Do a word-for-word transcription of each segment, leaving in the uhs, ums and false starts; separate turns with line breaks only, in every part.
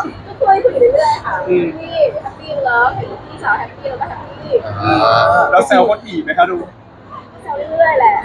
ก็คุยคุยเรื่อยๆค่ะพี่แฮปปี้เลิฟพี่สาวแฮปปี้แล้วก็แฮปปี้
เราแซวคนอีกไหมคะดู
แซวเรื่อยๆแหละ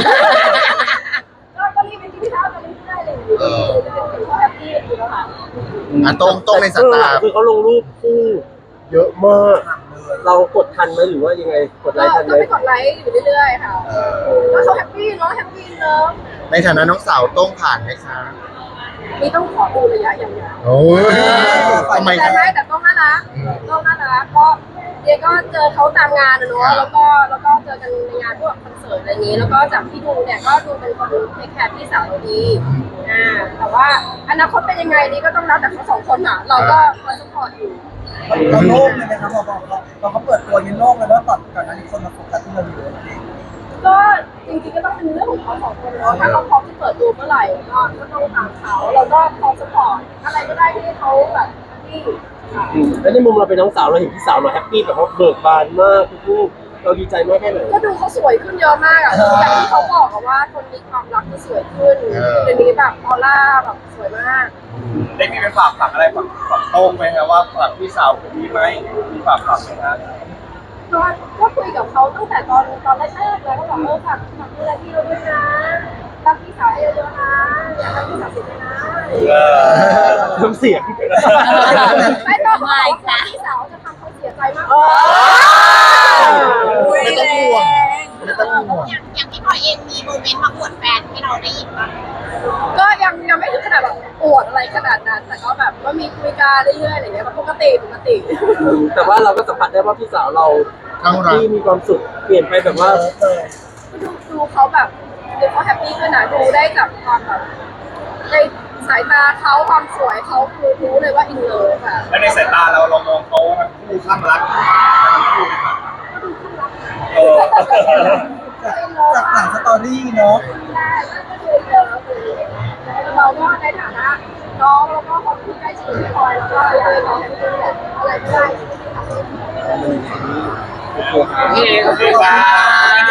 ก็ก็รีบไปกินข้าวกันเรื่อยๆเลยเป็นเขาแฮปปี้อยู่แล้วค่ะ
อ่ะตรงตรงในสตาร์
คือเขาลงรูปคู่เยอะมาก เรากดทันไหมหรือว่ายังไงกดไล
ก็
ค์ทันไหม
ก็ไปกดไลค์อยู่เรื่อยๆค่ะก็เขาแฮปปี้เนาะแฮปปี้เลิฟ
ในฐานะน้องสาวต้องผ่านไหมคะ
นี่ต้องขอดูระยะอย่างเดียว
โอ้ยทำไม
แต่
คะ
ไม่แต่ต้องน่ารักต้องน่ารักก็เดียก็เจอเขาตามงานนะเนาะแล้วก็แล้วก็เจอกันในงานพวกคอนเสิร์ตอะไรนี้แล้วก็จากที่ดูเนี่ยก็ดูเป็นคนเทคแคร์พี่สาวเราดีอ่าแต่ว่าอนาคตเป็นยังไงนี่ก็ต้องรับแต่เขาสองคนอ่ะเราก็คอยสปอร์ตอยู่
เราโล่งเลยไหมครับพอพอพอเขาเปิดตัวยันโล่งเลยว่าก่อนก่อนหน้านี้คนมาโฟกัสที่เราอยู่
ก็จริงๆก็ต้องเป็นเรื่องของเขาสองคนเนาะถ้าเขาพร้อมที่เปิดตัวเมื่อไหร่ก็ก็ต้องตามเขาเราก็พร้อมสปอร์ตอะไรก็ได้ที่เขาแบบที่
อืมแล้วในมุมเราเป็นน้องสาวเราเห็นพี่สาวเราแฮปปี้แบบว่าเบิกบานมากทุกๆเราดีใจมากแค่ไหน
ก็ดูเขาสวยขึ้นเยอะมากอ่ะอย่างที่เขาบอกอะว่าคนมีความรักจะสวยขึ้นเดี๋ยวนี้แบบออร่าแบบสวยมาก
ได้มีไปฝากฝังอะไรฝังฝังโต้งไหมครับว่าฝากพี่สาวผมมีไหมมีฝากฝังไหมครับ
ก็ก็คุยกับเขาตั้งแต่ตอนตอนแรกๆแล้วก็บอกเออฝากฝากดูแลพี่เราด้วยนะรักพี่สาวให้เยอะๆนะอย่าให้พี่สาวเสียใจนะ
น้ำเสียง
ไม่ต้องไม่ค่ะพี่สาวจะทำเขาเสียใจมาก
ไม่ต้องห่วงไม่ต้องห่วง
อย่างอย่างพี่พลอยเองมีโมเมนต์มาอวดแฟนให้เราได้ยินบ้าง
ก็ยังยังไม่ถึงขนาดแบบปวดอะไรขนาดนั้น แต่ก็แบบก็มีคุยกันเรื่อยๆอะไรอย่างเงี้ยปกติปกติ
แต่ว่าเราก็สัมผัสได้ว่าพี่สาวเรา
ทั้งรัก
ที่มีความสุขเปลี่ยนไปแบบว่า
ดูดูเขาแบบดูเขาแฮปปี้ขึ้นนะดูได้จากความแบบในสายตาเขาความสวยเขาคือรู้เลยว่าอินเลิฟค่ะ
แล้วในสายตาเราเรามองเขาทั้งคู่ข้างรักทั้งคู่ไหมครับเออ
จากหลังสตอรี่เนาะ
ใช่ก็คือเลิฟเราก็ในฐานะน้องแล้วก็คนที่ใกล้ชิดพี่พลอยแล้วก็อยากให้น้องเป็นแบบอะไรก็ได้ที่ทำให้
โอเคครับ
โอเค
โอเคครับ